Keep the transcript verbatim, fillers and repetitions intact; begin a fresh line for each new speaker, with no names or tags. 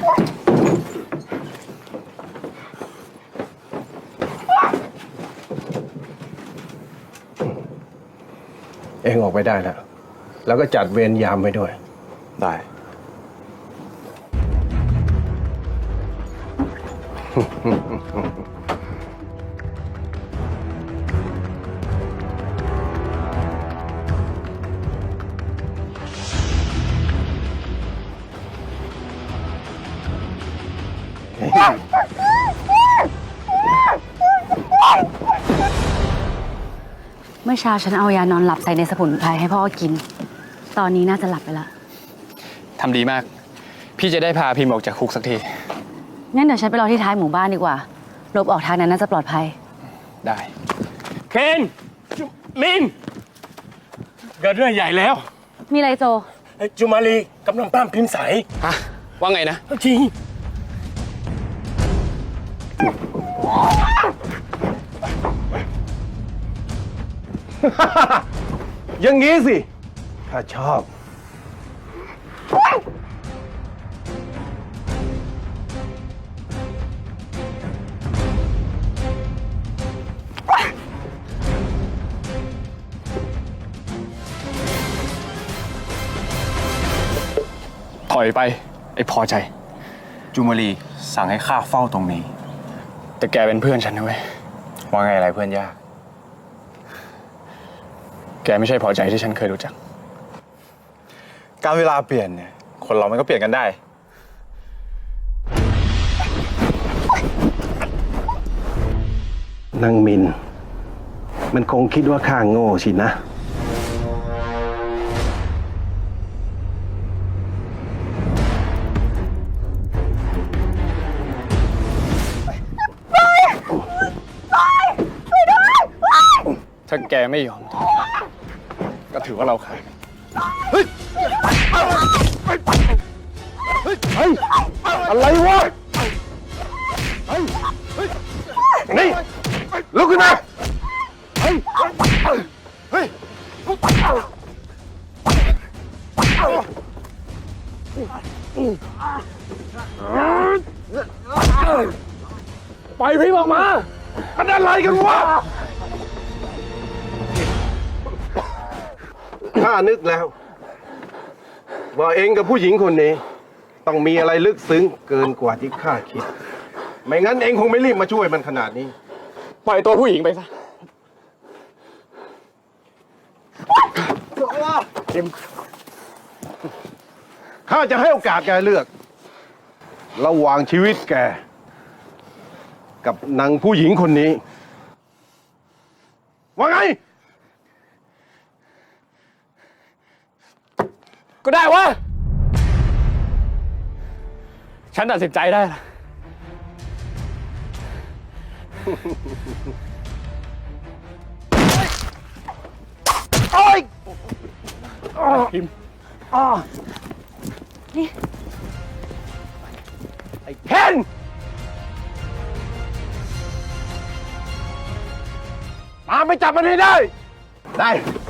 เองออกไปได้แล้วแล้วก็จัดเวรยามไว้ด้วย
ได้
เมื่อเช้าฉันเอายานอนหลับใส่ในสมุนไพรให้พ่อกิน ตอนนี้น่าจะหลับไปละ
ทำดีมากพี่จะได้พาพิมพ์ออกจากคุกสักที
งั้นเดี๋ยวฉันไปรอที่ท้ายหมู่บ้านดีกว่าหลบออกทางนั้นน่าจะปลอดภัย
ได้
เคนมินเกิดเรื่องใหญ่แล้ว
มีอะไรโจ
จุมาลีกำลังป้ามพิมพ์ใส
ฮะว่าไงนะ
จริงอย่างงี้สิข้าชอบ
ถอยไปไอ้พอใจ
จุมาลีสั่งให้ข้าเฝ้าตรงนี้
แต่แกเป็นเพื่อนฉันนะเว้ย
ว่าไงอะไรเพื่อนยาก
แกไม่ใช่พอใจที่ฉันเคยรู้จัก
การเวลาเปลี่ยนเนี่ยคนเรามันก็เปลี่ยนกันได้
นางมินมันคงคิดว่าข้าโง่สินะ
ถ้าแกไม่ยอมก็ถือว่าเราขาด
เฮ้ยเฮ้ยอะไรวะเฮ้ยนี่ลุกขึ้นมาเฮ้ยเฮ้ยไปพี่ออกมามันอะไรกันวะข้านึกแล้วว่าเองกับผู้หญิงคนนี้ต้องมีอะไรลึกซึ้งเกินกว่าที่ข้าคิดไม่งั้นเองคงไม่รีบมาช่วยมันขนาดนี้
ปล่อยตัวผู้หญิงไปซะ
ข้าจะให้โอกาสแกเลือกระหว่างชีวิตแกกับนางผู้หญิงคนนี้ว่าไง
ก็ได้วะฉันตัดสินใจได้ละ
โอ๊ย
พิมพ์
นี่
ไอ้เคนตามไปจับมันให้ได้ได้